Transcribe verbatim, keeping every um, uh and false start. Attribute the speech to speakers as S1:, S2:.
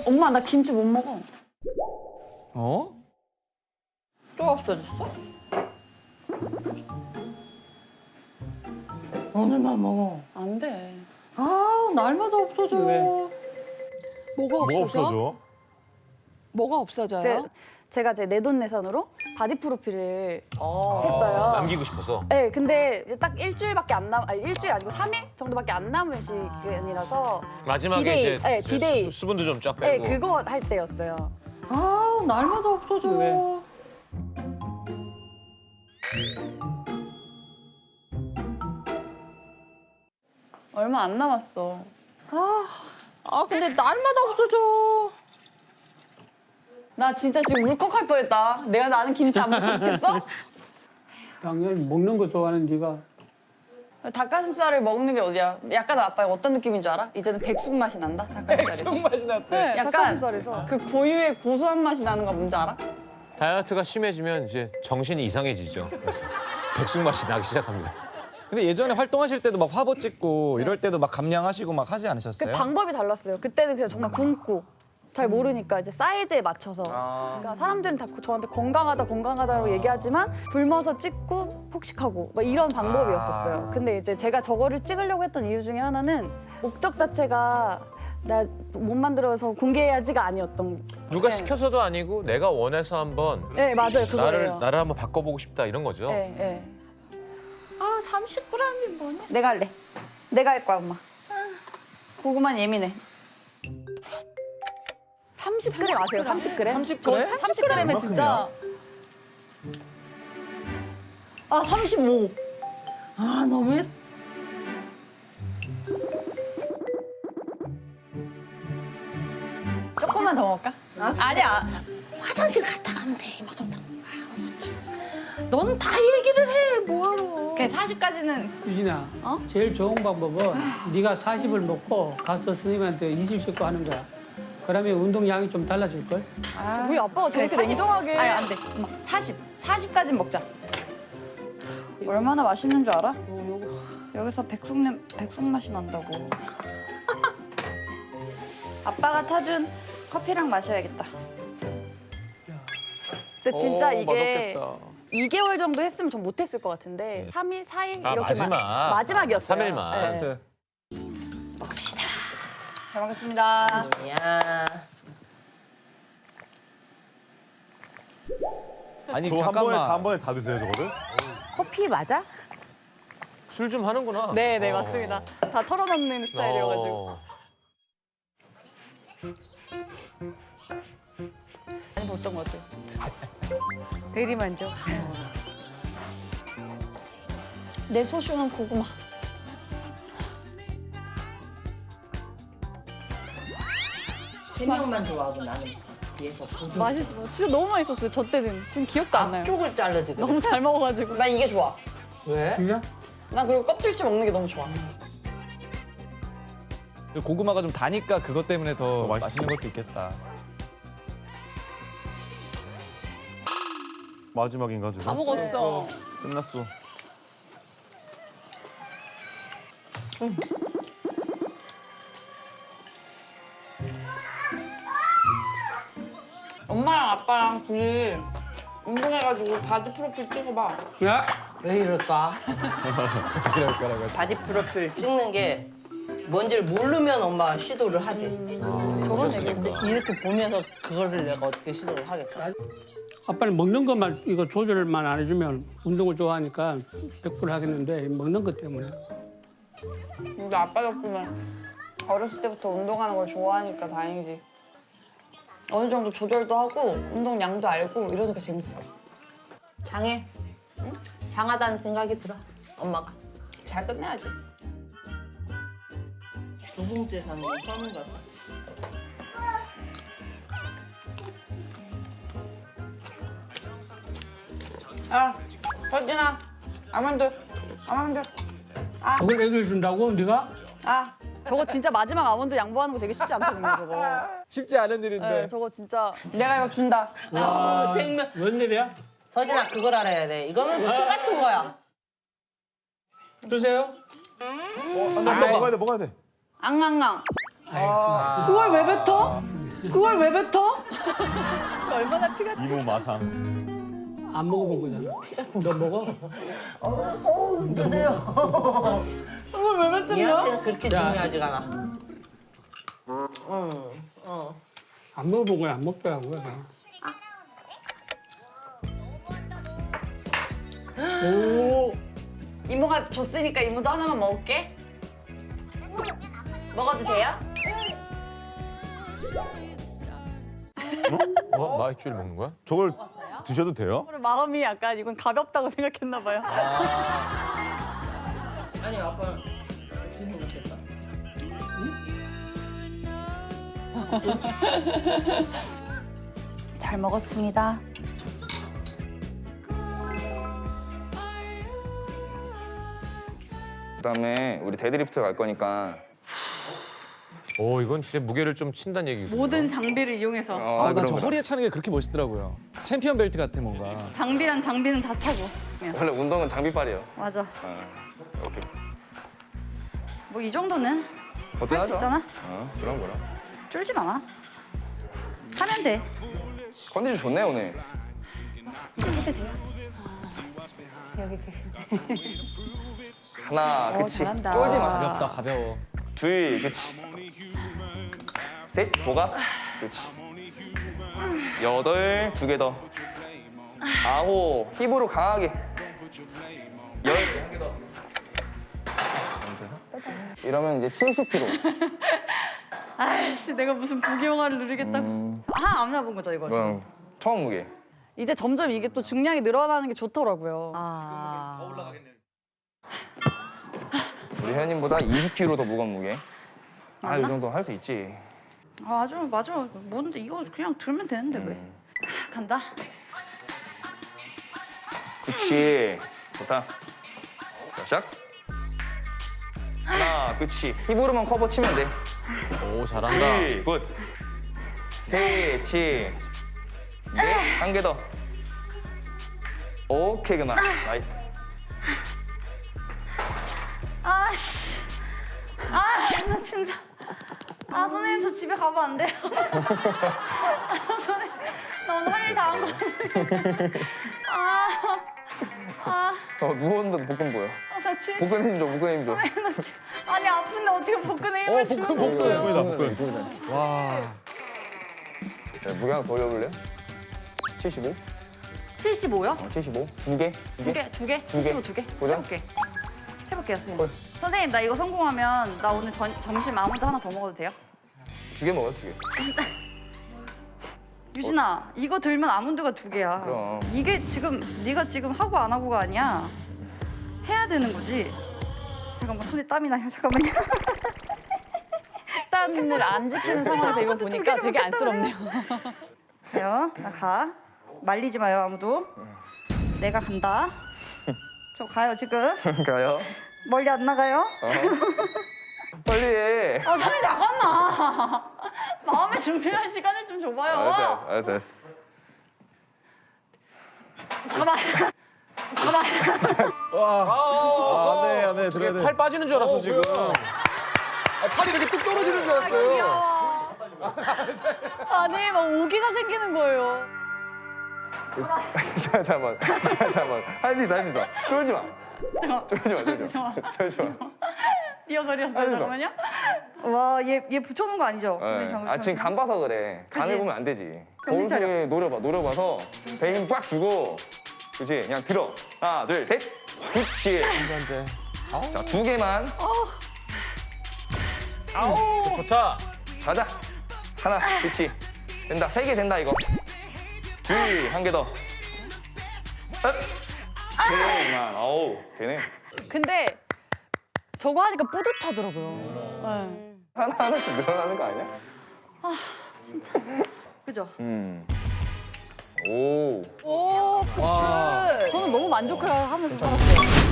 S1: 엄마 나 김치 못 먹어.
S2: 어?
S1: 또 없어졌어?
S3: 오늘만 먹어.
S1: 안 돼.
S3: 아, 날마다 없어져.
S4: 왜?
S5: 뭐가
S6: 뭐
S5: 없어져?
S6: 없어져?
S5: 뭐가 없어져요?
S1: 제, 제가 제 내돈내산으로 바디 프로필을
S2: 어.
S1: 했어요.
S2: 남기고 싶어서.
S1: 네, 근데 이제 딱 일주일밖에 안 남, 아니 일주일 아니고 삼 일 정도밖에 안 남은 시간이라서
S2: 마지막에
S1: 디데이,
S2: 이제
S1: 네, 디데이.
S2: 수, 수분도 좀 쫙
S1: 네,
S2: 빼고.
S1: 그거 할 때였어요.
S3: 아, 날마다 없어져.
S4: 왜?
S1: 얼마 안 남았어.
S3: 아, 아, 근데 날마다 없어져.
S1: 나 진짜 지금 울컥할 뻔했다. 내가 나는 김치 안 먹고 싶겠어?
S4: 당연히 먹는 거 좋아하는 네가
S1: 닭가슴살을 먹는 게 어디야? 약간 아빠 어떤 느낌인 줄 알아? 이제는 백숙 맛이 난다. 닭가슴살에서.
S2: 맛이 났대.
S1: 네, 약간
S3: 닭가슴살에서.
S1: 그 고유의 고소한 맛이 나는 거 뭔지 알아?
S2: 다이어트가 심해지면 이제 정신이 이상해지죠. 그래서 백숙 맛이 나기 시작합니다.
S7: 근데 예전에 활동하실 때도 막 화보 찍고 이럴 때도 막 감량하시고 막 하지
S1: 그
S7: 않으셨어요?
S1: 방법이 달랐어요. 그때는 그냥 정말 굶고 잘 모르니까 이제 사이즈에 맞춰서. 그러니까 사람들은 다 저한테 건강하다 건강하다고 얘기하지만 굶어서 찍고 폭식하고 막 이런 방법이었었어요. 근데 이제 제가 저거를 찍으려고 했던 이유 중에 하나는 목적 자체가 나 못 만들어서 공개해야지가 아니었던.
S2: 누가
S1: 네.
S2: 시켜서도 아니고 내가 원해서 한번
S1: 네 맞아요 그거예요.
S2: 나를 나를 한번 바꿔보고 싶다 이런 거죠.
S1: 네, 네.
S3: 아, 삼십 그램이 뭐냐?
S1: 내가 할래. 내가 할 거야 엄마. 고구마는 예민해. 삼십 그램 아세요? 삼십 그램?
S7: 삼십 그램?
S1: 저 삼십 그램에 진짜. 아 삼십오.
S3: 아, 너무했.
S1: 조금만 더 먹을까? 아니야.
S3: 화장실 갔다 가면 돼, 이만큼. 아우, 참. 너는 다 얘기를 해, 뭐하러.
S1: 그 사십까지는
S4: 유진아
S1: 어?
S4: 제일 좋은 방법은 네가 사십을 먹고 가서 선생님한테 이십 씻고 하는 거야. 그러면 운동량이 좀 달라질걸?
S1: 우리 아빠가 저렇게
S3: 사십.
S1: 냉정하게.
S3: 아니, 안 돼. 엄마, 사십.
S1: 사십까지는 먹자. 얼마나 맛있는 줄 알아? 여기서 백숙 냄 백숙 맛이 난다고. 아빠가 타준 커피랑 마셔야겠다. 근데 진짜
S2: 오,
S1: 이게
S2: 맛없겠다.
S1: 이 개월 정도 했으면 전 못했을 것 같은데 삼 일, 사 일
S2: 아,
S1: 이렇게
S2: 마지막.
S1: 마지막이었어요.
S2: 삼 일만.
S1: 네.
S3: 먹읍시다.
S1: 잘 먹겠습니다.
S3: 야.
S7: 아니
S6: 저 한 번에
S7: 잠깐만.
S6: 다 한 번에 다 드세요 저거를?
S8: 커피 맞아?
S2: 술 좀 하는구나.
S1: 네, 네
S2: 어.
S1: 맞습니다. 다 털어놓는 스타일이어가지고.
S2: 어.
S1: 많이 봤던 것 같아요.
S8: 대리만족.
S1: 내 소중한 고구마.
S3: 세 명만 좋아하고 나는 뒤에서 보조.
S1: 맛있어. 진짜 너무 맛있었어요. 저 때는. 지금 기억도 안 나요.
S3: 앞쪽을 잘라지, 그래.
S1: 너무 잘 먹어가지고. 나 이게 좋아.
S3: 왜?
S4: 진짜?
S1: 나 그리고 껍질째 먹는 게 너무 좋아.
S7: 고구마가 좀 다니까 그것 때문에 더
S6: 더 맛있-
S7: 맛있는 것도 있겠다.
S6: 마지막인가 지금?
S5: 다 먹었어.
S6: 끝났어.
S1: 엄마랑 아빠랑 둘이 운동해가지고 바디 프로필 찍어봐.
S4: 야!
S3: 왜 이럴까?
S7: 그럴 거라고.
S3: 바디 프로필 찍는 게 뭔지를 모르면 엄마가 시도를 하지.
S1: 저런 얘기.
S3: 근데 이렇게 보면서 그거를 내가 어떻게 시도를 하겠어?
S4: 아빠는 먹는 것만 이거 조절만 안 해주면 운동을 좋아하니까 백 퍼센트 하겠는데 먹는 것 때문에.
S1: 우리 아빠 덕분에 어렸을 때부터 운동하는 걸 좋아하니까 다행이지. 어느 정도 조절도 하고 운동량도 알고 이러니까 재밌어.
S3: 장해. 응? 장하다는 생각이 들어. 엄마가.
S1: 잘 끝내야지.
S3: 두 봉지에 사는 거 처음 봤어.
S1: 야, 서진아, 아몬드, 아몬드. 아,
S4: 그걸 애들 준다고 네가?
S1: 아. 저거 진짜 마지막 아몬드 양보하는 거 되게 쉽지 않거든요, 저거.
S7: 쉽지 않은 일인데.
S1: 네, 저거 진짜. 내가 이거 준다.
S3: 아, 생명.
S4: 웬일이야?
S3: 서진아, 그걸 알아야 돼. 이거는 똑같은 거야.
S4: 주세요.
S6: 어, 나 먹어야 돼 먹어야 돼.
S1: 앙앙앙.
S4: 아이,
S1: 그걸 왜 뱉어? 그걸 왜 뱉어? 얼마나 피가
S6: 이모 마상.
S4: 안 먹어본 거잖아. 너 먹어?
S1: 그걸 왜 뱉으냐?
S3: 그렇게
S4: 야.
S3: 중요하지가 않아.
S4: 안 먹어본 거야, 안 먹더라고요. 오,
S1: 이모가 줬으니까 이모도 하나만 먹을게. 먹어도 돼요?
S2: 어? 마이쮸를 먹는 거야?
S6: 저걸 드셔도 돼요?
S1: 마음이 약간 이건 가볍다고 생각했나 봐요.
S3: 아니 아빠는 진이 먹겠다.
S1: 잘 먹었습니다.
S8: 그다음에 우리 데드리프트 갈 거니까.
S2: 오 이건 진짜 무게를 좀 친다는 얘기고.
S1: 모든 장비를 이용해서
S8: 어,
S7: 아, 난
S8: 그럼,
S7: 저
S8: 그럼.
S7: 허리에 차는 게 그렇게 멋있더라고요. 챔피언 벨트 같아 뭔가.
S1: 장비란 장비는 다 차고. 그냥.
S8: 원래 운동은 장비빨이에요.
S1: 맞아.
S8: 어, 오케이.
S1: 뭐 이 정도는 할 수
S8: 거뜬하죠?
S1: 있잖아.
S8: 어, 그럼 그럼.
S1: 쫄지 마. 하면 돼.
S8: 컨디션 좋네 오늘.
S1: 해도 돼요. 여기 계시네.
S8: 하나,
S5: 어,
S8: 그치.
S5: 잘한다.
S8: 쫄지 마.
S7: 가볍다 가벼워.
S8: 둘, 그치. 셋, 보가. 그치. 여덟, 두 개 더. 아홉, 힙으로 강하게. 열, 한 개 더. 이러면 이제 칠십 킬로그램.
S1: 아이씨 내가 무슨 부귀영화를 누리겠다고.
S8: 음,
S1: 한 안 나본 거죠 이거.
S8: 그럼 처음 무게.
S1: 이제 점점 이게 또 중량이 늘어나는 게 좋더라고요. 아.
S8: 우리 회원님보다 이십 킬로그램 더 무거운 무게. 아, 이
S1: 맞나?
S8: 정도 할 수 있지.
S1: 아, 맞아, 맞아. 뭔데 이거 그냥 들면 되는데 왜?
S8: 음.
S1: 간다.
S8: 그치. 좋다. 자, 시작. 하나, 그치. 힙으로만 커버 치면 돼.
S2: 오 잘한다.
S8: 둘, 굿. 셋, 치. 넷, 한 개 더. 오케이, 그만. 나이스.
S1: 아, 아, 나 진짜. 아, 선생님 저 집에 가면 안 돼요. 아, 선생님, 나 오늘 할 일 다 한 거 같아. 아, 아,
S8: 어, 누웠는데도 복근 보여.
S1: 아, 나 진짜.
S8: 복근 힘 줘, 복근 힘 줘.
S1: 선생님, 나 진짜- 아니 아픈데 어떻게 복근에 힘을
S7: 어,
S1: 주는
S7: 복근,
S1: 거예요?
S7: 복근.
S6: 복근이다 복근.
S7: 와.
S8: 자, 무게 하나 더 올려볼래? 칠십오?
S1: 칠십오요?
S8: 어, 칠십오. 두 개?
S1: 두 개, 두 개?
S8: 두 개.
S1: 칠십오 두 개?
S8: 보자.
S1: 해볼게. 해볼게요, 선생님.
S8: 헐.
S1: 선생님, 나 이거 성공하면 나 오늘 전, 점심 아무도 하나 더 먹어도 돼요?
S8: 두 개 먹어, 두 개.
S1: 유진아, 이거 들면 아몬드가 두 개야.
S8: 그럼.
S1: 이게 지금 네가 지금 하고 안 하고가 아니야. 해야 되는 거지. 잠깐만, 손에 땀이 나요. 잠깐만요.
S5: 식단을 안 지키는 상황에서 이거 보니까 되게 안쓰럽네요.
S1: 가요. 나 가. 말리지 마요, 아무도. 내가 간다. 저 가요, 지금.
S8: 가요.
S1: 멀리 안 나가요.
S8: 어. 빨리 해.
S1: 어, 선생님, 잠깐만. 마음의 준비할 시간을 좀 줘봐요.
S8: 알았어, 알았어, 알았어.
S1: 잠깐만. 잠깐만.
S7: 와. 안돼 안돼 들어야 돼.
S2: 팔 빠지는 줄 알았어 지금.
S7: 아, 팔이 이렇게 뚝 떨어지는 줄 알았어요.
S1: 아니, 막 오기가 생기는 거예요.
S8: 자, 잠깐만. 자, 잠깐만. 할 수 있어, 할 수 있어. 쫄지 마. 쫄지 마, 쫄지 마. 쫄지 마.
S1: 리허설이었어요,
S8: 아니,
S1: 잠깐만요. 와, 얘, 얘 붙여놓은 거 아니죠?
S8: 네.
S1: 선생님,
S8: 아, 지금 간 봐서 그래. 간을
S1: 그치?
S8: 보면 안 되지.
S1: 정신 차려.
S8: 거울에 노려봐, 노려봐서 배 힘 꽉 주고. 그치? 그냥 들어. 하나, 둘, 셋. 그치.
S2: 안돼.
S8: 자, 두 개만.
S2: 아우 좋다.
S8: 가자. 하나, 그치. 된다. 세 개 된다, 이거. 둘, 한 개 더. 셋. 개만. 어우, 되네.
S1: 근데 저거 하니까 뿌듯하더라고요. 네.
S8: 하나, 하나씩 늘어나는 거 아니야?
S1: 그죠?
S8: 음. 오.
S1: 오,
S7: 와.
S1: 저는 너무 만족을 하면서 살았어요.